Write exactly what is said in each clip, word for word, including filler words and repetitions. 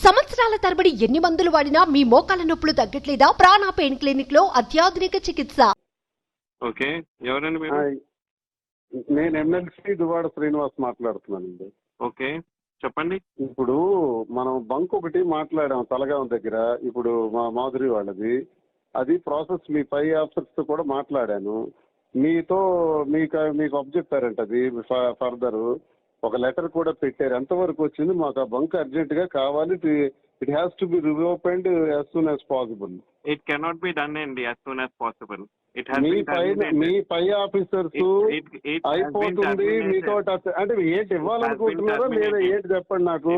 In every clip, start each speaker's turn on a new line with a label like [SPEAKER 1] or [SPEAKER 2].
[SPEAKER 1] సంవత్సరాల తరబడి ఎన్ని మందులు వాడినా మీ మోకాల నొప్పులు తగ్గట్లేదా? ప్రాణ పెయిన్ క్లినిక్ లో అత్యాధునిక చికిత్స.
[SPEAKER 2] ఓకే, ఎవరండి మీరు?
[SPEAKER 3] నేను ఎమ్మెల్సీ దువాడ శ్రీనివాస్ మాట్లాడుతున్నానండి.
[SPEAKER 2] ఓకే, చెప్పండి.
[SPEAKER 3] ఇప్పుడు మనం బంక్ ఒకటి మాట్లాడాం తలగాం దగ్గర, ఇప్పుడు మా మాధురి వాళ్ళది. అది ప్రాసెస్ మీ పై ఆఫీసర్స్ తో కూడా మాట్లాడాను. మీతో మీకు మీకు అబ్జెక్టారంట, అది ఫర్దర్ ఒక లెటర్ కూడా పెట్టారు. ఎంతవరకు వచ్చింది? మాకు ఆ బంక్ అర్జెంట్ గా కావాలి. It has to be reopened as soon as possible.
[SPEAKER 2] It cannot be done అండి యాజ్ సూన్ యాజ్ పాసిబుల్.
[SPEAKER 3] మీ పై మీ పై ఆఫీసర్స్ అయిపోతుంది మీతో అంటే ఏంటి ఇవ్వాలనుకుంటున్నారో లేదా ఏంటి చెప్పండి నాకు.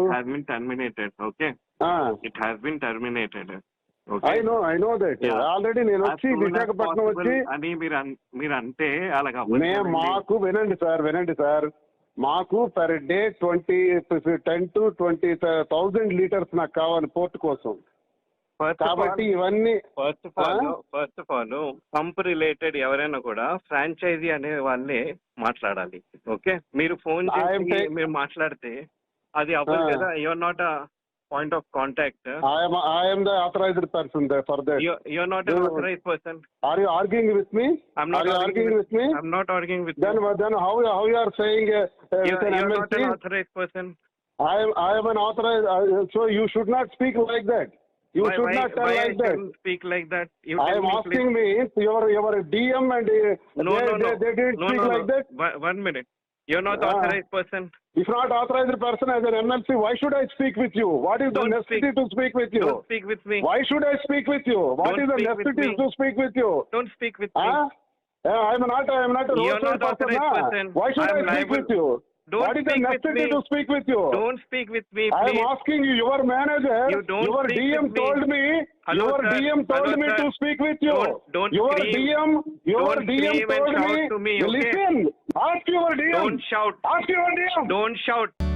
[SPEAKER 2] Okay, it has been terminated.
[SPEAKER 3] I know I know that already. నేను వచ్చి విశాఖపట్నం వచ్చి
[SPEAKER 2] అని మీరు మీరు అంటే అలాగా
[SPEAKER 3] మాకు వినండి సార్ వినండి సార్ మాకు per day twenty ten to twenty thousand litres నాకు కావాలి పోర్ట్ కోసం. కాబట్టి ఇవన్నీ
[SPEAKER 2] first of all first of all pump related ఎవరైనా కూడా ఫ్రాంచైజీ అనే వాళ్ళే మాట్లాడాలి. ఓకే, మీరు ఫోన్ చేసి మీరు మాట్లాడితే అది అవ్వదు కదా. You're not a point of contact.
[SPEAKER 3] I am I am the authorized person there for that.
[SPEAKER 2] You you are not an authorized person.
[SPEAKER 3] Are you arguing with me?
[SPEAKER 2] I'm not
[SPEAKER 3] are you arguing with, with me.
[SPEAKER 2] I'm not arguing with
[SPEAKER 3] then,
[SPEAKER 2] you.
[SPEAKER 3] Then how how you are saying uh,
[SPEAKER 2] you,
[SPEAKER 3] with an
[SPEAKER 2] you are
[SPEAKER 3] M L C?
[SPEAKER 2] Not an authorized person.
[SPEAKER 3] I am I am an authorized. Uh, so you should not speak like that. You
[SPEAKER 2] why,
[SPEAKER 3] should
[SPEAKER 2] why,
[SPEAKER 3] not tell
[SPEAKER 2] why
[SPEAKER 3] like
[SPEAKER 2] I
[SPEAKER 3] that.
[SPEAKER 2] Speak like that. You
[SPEAKER 3] I am
[SPEAKER 2] me,
[SPEAKER 3] asking
[SPEAKER 2] please.
[SPEAKER 3] me your your D M and uh,
[SPEAKER 2] no,
[SPEAKER 3] they,
[SPEAKER 2] no, no.
[SPEAKER 3] they, they didn't
[SPEAKER 2] no,
[SPEAKER 3] speak
[SPEAKER 2] no,
[SPEAKER 3] like
[SPEAKER 2] no.
[SPEAKER 3] that.
[SPEAKER 2] One, one minute. You're not
[SPEAKER 3] uh,
[SPEAKER 2] authorized person.
[SPEAKER 3] If not authorized person as an M L C, why should I speak with you? What is
[SPEAKER 2] Don't
[SPEAKER 3] the necessity
[SPEAKER 2] speak.
[SPEAKER 3] to speak with you?
[SPEAKER 2] Don't speak with me.
[SPEAKER 3] Why should I speak with you? What
[SPEAKER 2] Don't
[SPEAKER 3] is the necessity to speak with you?
[SPEAKER 2] Don't speak with
[SPEAKER 3] huh?
[SPEAKER 2] me.
[SPEAKER 3] Yeah, I'm not. I'm not a
[SPEAKER 2] You're not
[SPEAKER 3] person,
[SPEAKER 2] authorized
[SPEAKER 3] nah.
[SPEAKER 2] person.
[SPEAKER 3] Why should
[SPEAKER 2] I'm
[SPEAKER 3] I speak
[SPEAKER 2] liable.
[SPEAKER 3] with you?
[SPEAKER 2] Don't
[SPEAKER 3] what is the
[SPEAKER 2] speak
[SPEAKER 3] necessity
[SPEAKER 2] with me.
[SPEAKER 3] to speak with you?
[SPEAKER 2] Don't speak with me,
[SPEAKER 3] I
[SPEAKER 2] please.
[SPEAKER 3] am asking you. Your manager,
[SPEAKER 2] you don't
[SPEAKER 3] your
[SPEAKER 2] speak
[SPEAKER 3] D M
[SPEAKER 2] with
[SPEAKER 3] told me.
[SPEAKER 2] Hello,
[SPEAKER 3] your
[SPEAKER 2] sir.
[SPEAKER 3] D M told
[SPEAKER 2] Hello,
[SPEAKER 3] me
[SPEAKER 2] sir.
[SPEAKER 3] to speak with you.
[SPEAKER 2] Don't, don't
[SPEAKER 3] your
[SPEAKER 2] scream.
[SPEAKER 3] D M, your
[SPEAKER 2] don't
[SPEAKER 3] D M
[SPEAKER 2] scream
[SPEAKER 3] told
[SPEAKER 2] and shout
[SPEAKER 3] me.
[SPEAKER 2] To me okay?
[SPEAKER 3] Listen. Ask your D M.
[SPEAKER 2] Don't shout.
[SPEAKER 3] Ask your D M.
[SPEAKER 2] Don't shout.